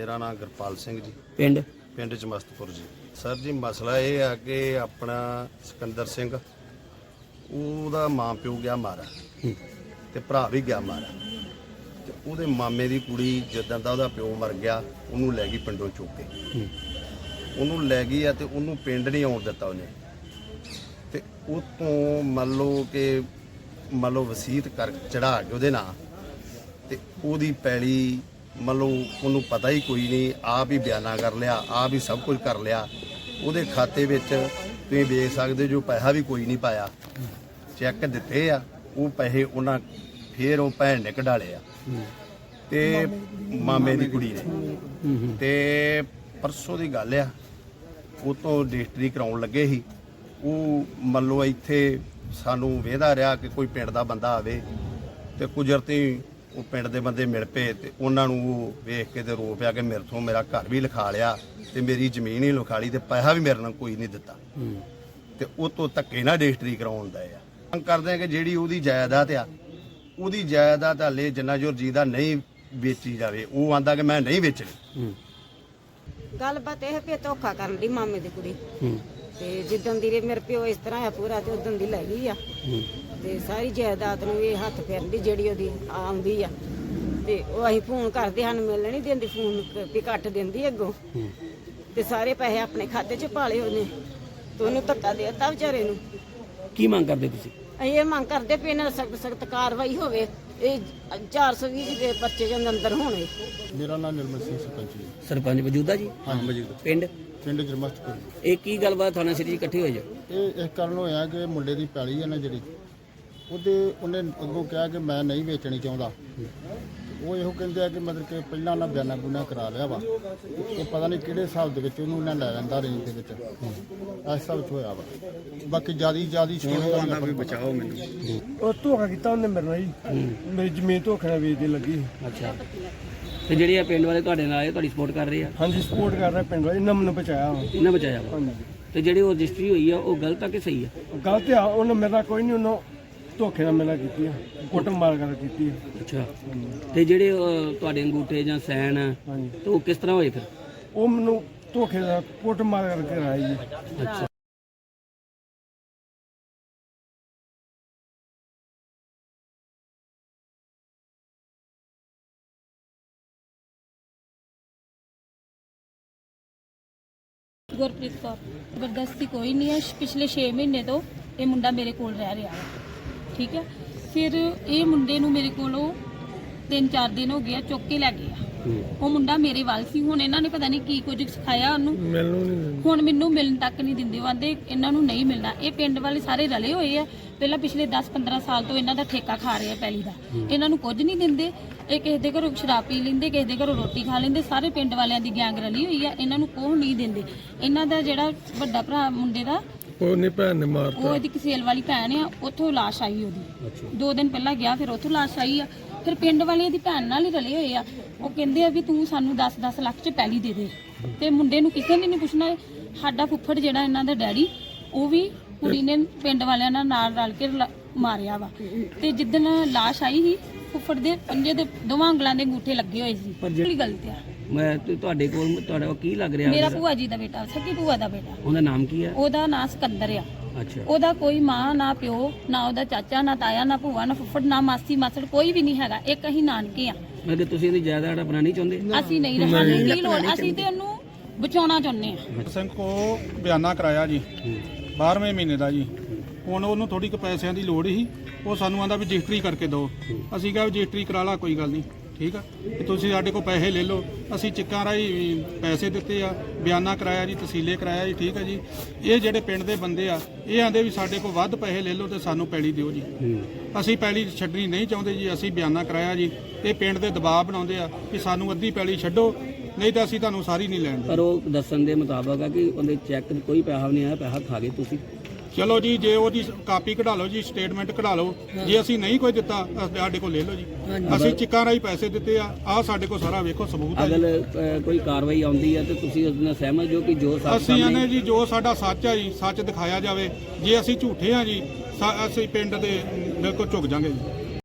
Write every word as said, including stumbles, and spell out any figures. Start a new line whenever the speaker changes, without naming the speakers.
मेरा नाम गुरपाल सिंह जी,
पिंड
पिंड चमस्तपुर जी। सर जी मसला ये है कि अपना सिकंदर सिंह ਉਹਦਾ ਮਾਂ ਪਿਓ ਗਿਆ ਮਾਰਾ ਤੇ ਭਰਾ ਵੀ ਗਿਆ ਮਾਰਾ ਤੇ ਉਹਦੇ ਮਾਮੇ ਦੀ ਕੁੜੀ ਜਦੋਂ ਦਾ ਉਹਦਾ ਪਿਓ ਮਰ ਗਿਆ ਉਹਨੂੰ ਲੈ ਗਈ ਪਿੰਡੋਂ ਚੁੱਕ ਕੇ ਉਹਨੂੰ ਲੈ ਗਈ ਆ ਤੇ ਉਹਨੂੰ ਪਿੰਡ ਨਹੀਂ ਆਉਣ ਦਿੱਤਾ ਉਹਨੇ ਤੇ ਉਹ ਤੋਂ ਮੰਨ ਲਓ ਕਿ ਮੰਨ ਲਓ ਵਸੀਅਤ ਕਰ ਚੜਾ ਕੇ ਉਹਦੇ ਨਾਂ ਤੇ ਉਹਦੀ ਪੈਲੀ ਮੰਨ ਲਓ ਉਹਨੂੰ ਪਤਾ ਹੀ ਕੋਈ ਨਹੀਂ ਆਪ ਹੀ ਬਿਆਨਾ ਕਰ ਲਿਆ ਆਪ ਹੀ ਸਭ ਕੁਝ ਕਰ ਲਿਆ ਉਹਦੇ ਖਾਤੇ ਵਿੱਚ ਤੁਸੀਂ ਵੇਖ ਸਕਦੇ ਜੋ ਪੈਸਾ ਵੀ ਕੋਈ ਨਹੀਂ ਪਾਇਆ ਚੈੱਕ ਦਿੱਤੇ ਆ ਉਹ ਪੈਸੇ ਉਹਨਾਂ ਫੇਰ ਉਹ ਭੈਣ ਨੇ ਕਢਾ ਲਿਆ ਤੇ ਮਾਮੇ ਦੀ ਕੁੜੀ ਨੇ ਤੇ ਪਰਸੋਂ ਦੀ ਗੱਲ ਆ ਉਹ ਤੋਂ ਰਜਿਸਟਰੀ ਕਰਾਉਣ ਲੱਗੇ ਸੀ ਉਹ ਮੰਨ ਲਓ ਇੱਥੇ ਸਾਨੂੰ ਵੇਖਦਾ ਰਿਹਾ ਕਿ ਕੋਈ ਪਿੰਡ ਦਾ ਬੰਦਾ ਆਵੇ ਤੇ ਕੁਦਰਤੀ ਉਹ ਪਿੰਡ ਦੇ ਬੰਦੇ ਮਿਲ ਪਏ ਤੇ ਉਹਨਾਂ ਨੂੰ ਉਹ ਵੇਖ ਕੇ ਤੇ ਰੋ ਪਿਆ ਕਿ ਮੇਰੇ ਤੋਂ ਮੇਰਾ ਘਰ ਵੀ ਲਿਖਾ ਲਿਆ ਤੇ ਮੇਰੀ ਜ਼ਮੀਨ ਹੀ ਲਿਖਾ ਲਈ ਤੇ ਪੈਸਾ ਵੀ ਮੇਰੇ ਨਾਲ ਕੋਈ ਨਹੀਂ ਦਿੱਤਾ ਤੇ ਉਹ ਤੋਂ ਧੱਕੇ ਨਾਲ ਰਜਿਸਟਰੀ ਕਰਾਉਣ ਦਾ ਆ ਮੰਗ ਕਰਦੇ ਆ ਕਿ ਜਿਹੜੀ ਉਹਦੀ ਜਾਇਦਾਦ ਆ ਉਹਦੀ ਜਾਇਦਾਦ ਹਾਲੇ ਜਿੰਨਾ ਜੋਰ ਜੀ ਦਾ ਨਹੀਂ ਵੇਚੀ ਜਾਵੇ ਉਹ ਆਂਦਾ ਕਿ ਮੈਂ ਨਹੀਂ ਵੇਚਣੀ
ਗੱਲਬਾਤ ਇਹ ਵੀ ਧੋਖਾ ਕਰਨ ਦੀ ਮਾਮੇ ਦੀ ਕੁੜੀ ਤੇ ਜਿੱਦਣ ਦੀ ਮੇਰੇ ਪਿਓ ਇਸ ਤਰ੍ਹਾਂ ਆ ਪੂਰਾ ਤੇ ਉਦੋਂ ਦੀ ਲੈ ਗਈ ਆ ਤੇ ਸਾਰੀ ਜਾਇਦਾਦ ਨੂੰ ਇਹ ਹੱਥ ਫੇਰਨ ਦੀ ਜਿਹੜੀ ਉਹਦੀ ਆਉਂਦੀ ਆ ਤੇ ਉਹ ਅਸੀਂ ਫੋਨ ਕਰਦੇ ਹਨ ਮਿਲਣ ਨਹੀਂ ਦਿੰਦੀ ਫੋਨ ਵੀ ਕੱਟ ਦਿੰਦੀ ਅੱਗੋਂ ਤੇ ਸਾਰੇ ਪੈਸੇ ਆਪਣੇ ਖਾਤੇ 'ਚ ਪਾ ਲਏ ਉਹਨੇ ਤੇ ਉਹਨੂੰ ਧੱਕਾ ਦੇ ਦਿੱਤਾ ਵਿਚਾਰੇ ਨੂੰ।
ਕੀ ਮੰਗ ਕਰਦੇ ਤੁਸੀਂ?
ਅਸੀਂ ਇਹ ਮੰਗ ਕਰਦੇ ਵੀ ਇਹਨਾਂ ਸਖਤ ਸਖਤ ਕਾਰਵਾਈ ਹੋਵੇ ਇਹ ਚਾਰ ਸੌ ਵੀਹ ਦੇ ਬੱਚੇ ਜਨ ਅੰਦਰ ਹੋਣੇ।
ਮੇਰਾ ਨਾਮ ਨਿਰਮਲ ਸਿੰਘ ਸਰਪੰਚ ਜੀ।
ਸਰਪੰਚ ਮੌਜੂਦਾ ਜੀ?
ਹਾਂ ਮੌਜੂਦਾ।
ਪਿੰਡ
ਪਿੰਡ ਜਰਮਸਤਪੁਰ।
ਇਹ ਕੀ ਗੱਲਬਾਤ ਥਾਣਾ ਸਿਟੀ ਇਕੱਠੇ ਹੋਏ ਜੋ?
ਇਹ ਇਸ ਕਾਰਨ ਹੋਇਆ ਕਿ ਮੁੰਡੇ ਦੀ ਪੈਲੀ ਹੈ ਨਾ ਜਿਹੜੀ ਉਹਦੇ ਉਹਨੇ ਅੱਗੋਂ ਕਿਹਾ ਕਿ ਮੈਂ ਨਹੀਂ ਵੇਚਣੀ ਚਾਹੁੰਦਾ ਉਹ ਇਹੋ ਕਹਿੰਦੇ ਆ ਕਿ ਮਤਲਬ ਕਿ ਪਹਿਲਾਂ ਉਹਨਾਂ ਬਿਆਨਾ ਬੁਨਾ ਕਰਾ ਲਿਆ ਵਾ ਇਹ ਪਤਾ ਨਹੀਂ ਕਿਹੜੇ ਹਿਸਾਬ ਦੇ ਵਿੱਚ ਉਹਨੂੰ ਉਹਨਾਂ ਲੈ ਜਾਂਦਾ ਰੇਂਜ ਦੇ ਵਿੱਚ ਇਸ ਹਿਸਾਬ 'ਚ ਹੋਇਆ ਵਾ ਬਾਕੀ ਜਿਆਦਾ ਜਿਆਦਾ ਸਟੋਰੀ ਵੀ ਬਚਾਓ ਮੈਨੂੰ
ਉਹ ਧੋਖਾ ਕੀਤਾ ਉਹਨੇ ਮੇਰੇ ਨਾਲ ਜੀ ਮੇਰੀ ਜ਼ਮੀਨ ਧੋਖੇ ਨਾਲ ਵੇਚਦੇ ਲੱਗੀ।
ਅੱਛਾ ਤੇ ਜਿਹੜੇ ਆ ਪਿੰਡ ਵਾਲੇ ਤੁਹਾਡੇ ਨਾਲ ਆਏ ਤੁਹਾਡੀ ਸਪੋਰਟ ਕਰ ਰਹੇ ਆ?
ਹਾਂਜੀ ਸਪੋਰਟ ਕਰ ਰਿਹਾ ਪਿੰਡ ਵਾਲੇ ਇਹਨਾਂ ਮੈਨੂੰ ਬਚਾਇਆ ਵਾ।
ਇਹਨਾਂ ਬਚਾਇਆ ਵਾ?
ਹਾਂਜੀ।
ਤੇ ਜਿਹੜੀ ਉਹ ਰਜਿਸਟਰੀ ਹੋਈ ਆ ਉਹ ਗਲਤ ਆ ਕਿ ਸਹੀ ਆ?
ਗਲਤ ਆ ਉਹਨੇ ਮੇਰੇ ਨਾਲ ਕੋਈ ਨਹੀਂ ਉਹਨੂੰ ਧੋਖੇ ਨਾਲ ਮੇਰੇ ਨਾਲ ਕੀਤੀ ਆ ਕੁੱਟ ਮਾਰ ਕਰ ਕੀਤੀ ਆ।
ਅੱਛਾ ਤੇ ਜਿਹੜੇ ਅਹ, ਤੁਹਾਡੇ ਅੰਗੂਠੇ ਜਾਂ ਸੈਨ
ਹਾਂਜੀ
ਤੇ ਉਹ ਕਿਸ ਤਰ੍ਹਾਂ ਹੋਏ ਫਿਰ?
ਉਹ ਮੈਨੂੰ ਧੋਖੇ ਨਾਲ ਕੁੱਟ ਮਾਰ ਕਰਕੇ ਕਰਾਈ ਜੀ।
ਅੱਛਾ
ਗੁਰਪ੍ਰੀਤ ਕੌਰ। ਜ਼ਬਰਦਸਤੀ ਕੋਈ ਨਹੀਂ ਹੈ। ਪਿਛਲੇ ਛੇ ਮਹੀਨੇ ਤੋਂ ਇਹ ਮੁੰਡਾ ਮੇਰੇ ਕੋਲ ਰਹਿ ਰਿਹਾ ਹੈ ਠੀਕ ਹੈ। ਫਿਰ ਇਹ ਮੁੰਡੇ ਨੂੰ ਮੇਰੇ ਕੋਲੋਂ ਤਿੰਨ ਚਾਰ ਦਿਨ ਹੋ ਗਿਆ ਚੁੱਕ ਕੇ ਲੈ ਗਏ ਆ। ਉਹ ਮੁੰਡਾ ਮੇਰੇ ਵੱਲ ਸੀ। ਹੁਣ ਇਹਨਾਂ ਨੇ ਪਤਾ ਨਹੀਂ ਕੀ ਕੁਝ ਸਿਖਾਇਆ ਉਹਨੂੰ ਹੁਣ ਮੈਨੂੰ ਮਿਲਣ ਤੱਕ ਨਹੀਂ ਦਿੰਦੇ। ਉਹ ਆਂਦੇ ਇਹਨਾਂ ਨੂੰ ਨਹੀਂ ਮਿਲਣਾ। ਇਹ ਪਿੰਡ ਵਾਲੇ ਸਾਰੇ ਰਲੇ ਹੋਏ ਆ ਪਹਿਲਾਂ ਪਿਛਲੇ ਦਸ ਪੰਦਰਾਂ ਸਾਲ ਤੋਂ ਇਹਨਾਂ ਦਾ ਠੇਕਾ ਖਾ ਰਹੇ ਆ ਪੈਲੀ ਦਾ। ਇਹਨਾਂ ਨੂੰ ਕੁਝ ਨਹੀਂ ਦਿੰਦੇ। ਇਹ ਕਿਸੇ ਦੇ ਘਰੋਂ ਸ਼ਰਾਬ ਪੀ ਲੈਂਦੇ ਕਿਸੇ ਦੇ ਘਰੋਂ ਰੋਟੀ ਖਾ ਲੈਂਦੇ। ਸਾਰੇ ਪਿੰਡ ਵਾਲਿਆਂ ਦੀ ਗੈਂਗ ਰਲੀ ਹੋਈ ਆ। ਇਹਨਾਂ ਨੂੰ ਕੋਹ ਨਹੀਂ ਦਿੰਦੇ। ਇਹਨਾਂ ਦਾ ਜਿਹੜਾ ਵੱਡਾ ਭਰਾ ਮੁੰਡੇ ਦਾ
ਉਹ ਨਹੀਂ ਭੈਣ ਨੇ ਮਾਰਤਾ।
ਉਹ ਇਹਦੀ ਕਸੇਲ ਵਾਲੀ ਭੈਣ ਆ ਉੱਥੋਂ ਲਾਸ਼ ਆਈ ਉਹਦੀ ਦੋ ਦਿਨ ਪਹਿਲਾਂ ਗਿਆ ਫਿਰ ਉੱਥੋਂ ਲਾਸ਼ ਆਈ ਆ। ਫਿਰ ਪਿੰਡ ਵਾਲਿਆਂ ਦੀ ਭੈਣ ਨਾਲ ਹੀ ਰਲੇ ਹੋਏ ਆ। ਉਹ ਕਹਿੰਦੇ ਆ ਵੀ ਤੂੰ ਸਾਨੂੰ ਦਸ ਦਸ ਲੱਖ ਚ ਪੈਲੀ ਦੇ ਦੇ ਤੇ ਮੁੰਡੇ ਨੂੰ ਕਿਸੇ ਨੇ ਨਹੀਂ ਪੁੱਛਣਾ। ਸਾਡਾ ਫੁੱਫੜ ਜਿਹੜਾ ਇਹਨਾਂ ਦਾ ਡੈਡੀ ਉਹ ਵੀ ਕੁੜੀ ਨੇ ਪਿੰਡ ਵਾਲਿਆਂ ਨਾਲ ਨਾਲ ਰਲ ਕੇ ਮਾਰਿਆ ਵਾ। ਤੇ ਜਿੱਦਣ ਲਾਸ਼ ਆਈ ਸੀ ਫੁੱਫੜ ਦੇ ਪੰਜੇ ਦੇ ਦੋਵਾਂ ਉਂਗਲਾਂ ਦੇ ਅੰਗੂਠੇ ਲੱਗੇ ਹੋਏ ਸੀ। ਜਿਹੜੀ ਗਲਤ ਆ।
ਮੈਂ ਤੇ ਤੁਹਾਡੇ ਕੋਲ ਤੁਹਾਡਾ ਕੀ ਲੱਗ ਰਿਹਾ?
ਮੇਰਾ ਭੂਆ ਜੀ ਦਾ ਬੇਟਾ ਸੱਕੀ ਭੂਆ ਦਾ ਬੇਟਾ।
ਉਹਦਾ ਨਾਮ ਕੀ ਹੈ?
ਉਹਦਾ ਨਾਂ ਸਿਕੰਦਰ ਆ।
ਅੱਛਾ
ਉਹਦਾ ਕੋਈ ਮਾਂ ਨਾ ਪਿਓ ਨਾ ਉਹਦਾ ਚਾਚਾ ਨਾ ਤਾਇਆ ਨਾ ਭੂਆ ਨਾ ਫੁੱਫੜ ਨਾ ਮਾਸੀ ਮਾਸੜ ਕੋਈ ਵੀ ਨਹੀਂ ਹੈਗਾ। ਇੱਕ ਅਸੀਂ ਨਾਨਕੇ ਆ।
ਮੈਂ ਤੁਸੀਂ ਇਹਦੀ ਜਾਇਦਾਦ ਆਪਣਾ ਨਹੀਂ ਚਾਹੁੰਦੇ?
ਅਸੀਂ ਨਹੀਂ ਰਹਿਣਾ ਕੀ ਲੋੜ ਅਸੀਂ ਤੇ ਉਹਨੂੰ ਬਚਾਉਣਾ ਚਾਹੁੰਦੇ ਆ।
ਸਿੰਘ ਕੋ ਬਿਆਨਾ ਕਰਾਇਆ ਜੀ ਬਾਰ੍ਹਵੇਂ ਮਹੀਨੇ ਦਾ ਜੀ। ਹੁਣ ਉਹਨੂੰ ਥੋੜੀ ਕੁ ਪੈਸਿਆਂ ਦੀ ਲੋੜ ਸੀ। ਉਹ ਸਾਨੂੰ ਆਂਦਾ ਵੀ ਰਜਿਸਟਰੀ ਕਰਕੇ ਦਿਓ। ਅਸੀਂ ਕਿਹਾ ਰਜਿਸਟਰੀ ਕਰਾ ਲਾ ਕੋਈ ਗੱਲ ਨਹੀਂ ਠੀਕ ਆ ਤੇ ਤੁਸੀਂ ਸਾਡੇ ਕੋਲ ਪੈਸੇ ਲੈ ਲਓ। ਅਸੀਂ ਚਿੱਕਾਂ ਰਾਹੀਂ ਪੈਸੇ ਦਿੱਤੇ ਆ ਬਿਆਨਾ ਕਰਾਇਆ ਜੀ ਤਸੀਲੇ ਕਰਾਇਆ ਜੀ ਠੀਕ ਆ ਜੀ। ਇਹ ਜਿਹੜੇ ਪਿੰਡ ਦੇ ਬੰਦੇ ਆ ਇਹ ਆਂਦੇ ਵੀ ਸਾਡੇ ਕੋਲ ਵੱਧ ਪੈਸੇ ਲੈ ਲਓ ਤੇ ਸਾਨੂੰ ਪੈਲੀ ਦਿਓ ਜੀ। ਅਸੀਂ ਪੈਲੀ ਛੱਡਣੀ ਨਹੀਂ ਚਾਹੁੰਦੇ ਜੀ। ਅਸੀਂ ਬਿਆਨਾ ਕਰਾਇਆ ਜੀ। ਇਹ ਪਿੰਡ ਦੇ ਦਬਾਅ ਬਣਾਉਂਦੇ ਆ ਕਿ ਸਾਨੂੰ ਅੱਧੀ ਪੈਲੀ ਛੱਡੋ ਨਹੀਂ ਤਾਂ ਅਸੀਂ ਤੁਹਾਨੂੰ ਸਾਰੀ ਨਹੀਂ ਲੈਣ ਦੇ।
ਪਰ ਉਹ ਦੱਸਣ ਦੇ ਮੁਤਾਬਕ ਆ ਕਿ ਉਹਦੇ ਚੈੱਕ ਕੋਈ ਪੈਸਾ ਨਹੀਂ ਆਇਆ ਪੈਸਾ ਖਾ ਗਏ ਤੁਸੀਂ।
ਚਲੋ ਜੀ ਜੇ ਉਹਦੀ ਕਾਪੀ ਕਢਾ ਲਓ ਜੀ ਸਟੇਟਮੈਂਟ ਕਢਾ ਲਓ। ਜੇ ਅਸੀਂ ਨਹੀਂ ਕੋਈ ਦਿੱਤਾ ਸਾਡੇ ਕੋਲ ਲੈ ਲਓ ਜੀ। ਅਸੀਂ ਚਿੱਕਾਂ ਰਾਹੀਂ ਪੈਸੇ ਦਿੱਤੇ ਆ ਆਹ ਸਾਡੇ ਕੋਲ ਸਾਰਾ ਵੇਖੋ ਸਬੂਤ ਹੈ।
ਅਗਰ ਕੋਈ ਕਾਰਵਾਈ ਆਉਂਦੀ ਹੈ ਤੇ ਤੁਸੀਂ ਉਸ ਨਾਲ ਸਹਿਮਤ ਹੋ ਕਿ ਜੋ
ਅਸੀਂ ਆਨੇ ਜੀ ਜੋ ਸਾਡਾ ਸੱਚ ਆ ਜੀ ਸੱਚ ਦਿਖਾਇਆ ਜਾਵੇ। ਜੇ ਅਸੀਂ ਝੂਠੇ ਆ ਜੀ ਅਸੀਂ ਪਿੰਡ ਦੇ ਬਿਲਕੁਲ ਝੁਕ ਜਾਾਂਗੇ ਜੀ।